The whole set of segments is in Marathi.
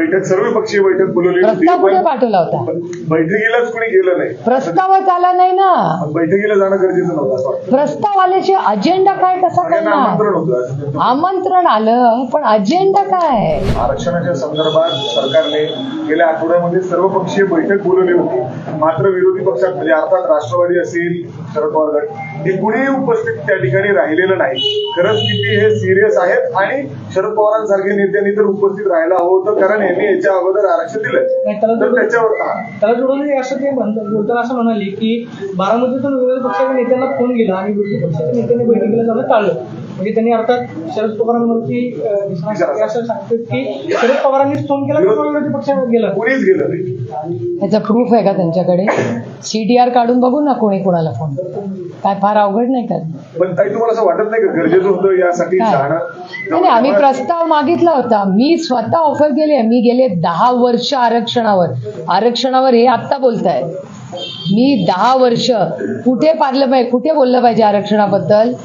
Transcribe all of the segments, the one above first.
बैठक सर्वपक्षीय बैठक बोलवली होती. प्रस्ताव कुठे पाठवला होता? बैठकीलाच कोणी गेलं नाही. प्रस्तावच आला नाही ना. बैठकीला जाणं गरजेचं नव्हतं. प्रस्ताव आल्याचे अजेंडा काय कसा सगळ्यांना करणार? आमंत्रण होतं. आमंत्रण आलं पण अजेंडा काय? आरक्षणाच्या संदर्भात सरकारने गेल्या आठवड्यामध्ये सर्वपक्षीय बैठक बोलवली होती. मात्र विरोधी पक्षात म्हणजे अर्थात राष्ट्रवादी असेल, शरद पवार गट हे कुणीही उपस्थित त्या ठिकाणी राहिलेलं नाही. खरंच किती हे सिरियस आहेत आणि शरद पवारांसारख्या नेत्यांनी तर उपस्थित राहायला हवं होतं, कारण यांनी याच्या अगोदर आरक्षण दिलं. तर त्याच्यावर त्याला जोडून असं ते बोलताना असं म्हणाले की बारामतीतून विरोधी पक्षाच्या नेत्यांना फोन गेला आणि विरोधी पक्षाच्या नेत्यांनी बैठकीला जाणं टाळलं. म्हणजे त्यांनी अर्थात शरद पवारांवरती असं सांगतात की शरद पवारांनीच फोन केला किंवा विरोधी पक्षाने गेला, कुणीच गेलं नाही. याचा प्रूफ आहे का त्यांच्याकडे? CTR काढून बघू ना कोणी कोणाला फोन. काय फार अवघड नाही का? पण ताई तुम्हाला असं वाटत नाही का गरजेचं होतं यासाठी जाणं? नाही, आम्ही प्रस्ताव मागितला होता. मी स्वतः ऑफर केली आहे. मी गेले 10 वर्ष आरक्षणावर हे आत्ता बोलताय. मी 10 वर्ष कुठे बोललं पाहिजे आरक्षणाबद्दल?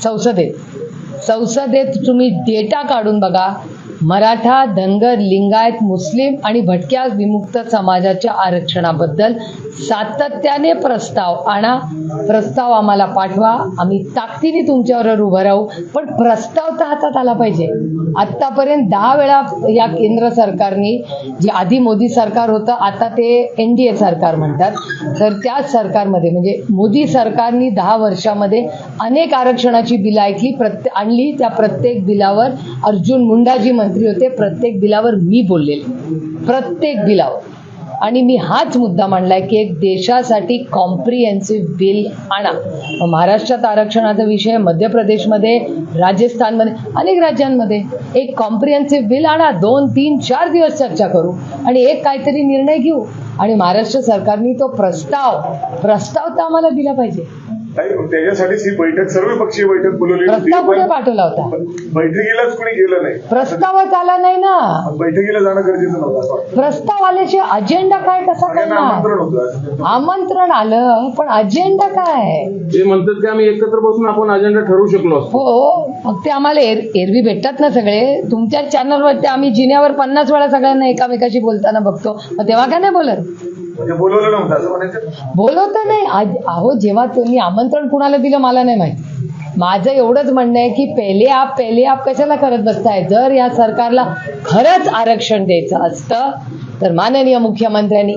संसदेत तुम्ही डेटा काढून बघा. मराठा, धनगर, लिंगायत, मुस्लिम आणि भटक्या विमुक्त समाजाच्या आरक्षणाबद्दल सातत्याने प्रस्ताव आणा. प्रस्ताव आम्हाला पाठवा. आम्ही ताकदीने तुमच्यावर उभं राहू. पण प्रस्ताव तर हातात आला पाहिजे. आतापर्यंत 10 वेळा या केंद्र सरकारने, जे आधी मोदी सरकार होतं आता ते NDA सरकार म्हणतात, तर त्या सरकारमध्ये म्हणजे मोदी सरकारने 10 वर्षामध्ये अनेक आरक्षणाची बिलं आणली. त्या प्रत्येक बिलावर अर्जुन मुंडा जी मंत्री होते, प्रत्येक बिलावर मी बोललेले, प्रत्येक बिलावर. आणि मी हाच मुद्दा मांडलाय की एक देशासाठी कॉम्प्रिहेन्सिव्ह बिल आणा. महाराष्ट्रात आरक्षणाचा विषय, मध्य प्रदेशमध्ये, राजस्थानमध्ये, अनेक राज्यांमध्ये एक कॉम्प्रिहेन्सिव्ह बिल आणा. 2, 3, 4 दिवस चर्चा करू आणि एक काहीतरी निर्णय घेऊ. आणि महाराष्ट्र सरकारने तो प्रस्ताव तर आम्हाला दिला पाहिजे. त्याच्यासाठीच ही बैठक सर्वपक्षीय बैठक बोलवली होती. प्रस्ताव कुठे पाठवला होता? बैठकीलाच कोणी गेलं नाही. प्रस्तावच आला नाही ना. बैठकीला जाणं गरजेचं नव्हतं. प्रस्ताव आल्याचे अजेंडा काय कसा सगळ्यांना करणार? आमंत्रण होतं. आमंत्रण आलं पण अजेंडा काय? ते म्हणतात की आम्ही एकत्र बसून आपण अजेंडा ठरवू शकलो असतो. हो, मग ते आम्हाला एरवी भेटतात ना सगळे. तुमच्या चॅनलवर आम्ही जिन्यावर 50 वेळा सगळ्यांना एकामेकाशी बोलताना बघतो. मग तेव्हा काय नाही बोलत? म्हणजे बोलवलं नव्हतं असं म्हणायचं? बोलवतं नाही. अहो, जेव्हा तुम्ही आमंत्रण कुणाला दिलं मला नाही माहिती. माझं एवढंच म्हणणं आहे की पहिले आप कशाला करत बसताय? जर या सरकारला खरंच आरक्षण द्यायचं असतं तर माननीय मुख्यमंत्र्यांनी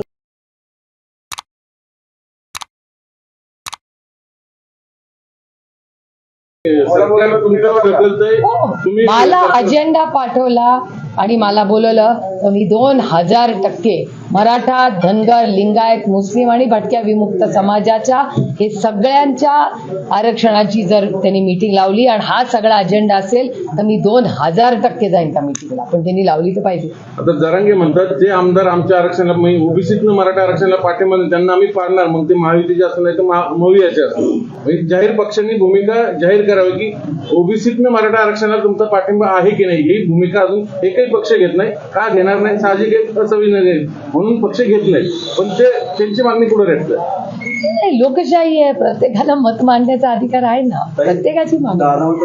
सरकार तुमच्यावर ढकलतंय. तुम्ही मला अजेंडा पाठवला आणि मला बोलवलं तर मी 2000% मराठा, धनगर, लिंगायत, मुस्लिम आणि भटक्या विमुक्त समाजाच्या हे सगळ्यांच्या आरक्षणाची जर त्यांनी मीटिंग लावली आणि हा सगळा अजेंडा असेल तर मी 2000% जाईन त्या मीटिंगला. पण त्यांनी लावली तर पाहिजे. आता जरांगे म्हणतात जे आमदार आमच्या आरक्षणाला ओबीसीतनं मराठा आरक्षणाला पाठिंबा देतील त्यांना आम्ही पाडणार. मग ते महायुतीचे असं नाही तर मवियाचे असं. म्हणजे जाहीर पक्षांनी भूमिका जाहीर करावी की ओबीसीतनं मराठा आरक्षणाला तुमचा पाठिंबा आहे की नाही. ही भूमिका अजून एकही पक्ष घेत नाही. का घेणार नाही? साहजिक एक असंविधान म्हणून पक्ष घेत नाही. पण ते त्यांची मागणी पुढे रेटतात. लोकशाही आहे. प्रत्येकाला मत मांडण्याचा अधिकार आहे ना. प्रत्येकाची मागणी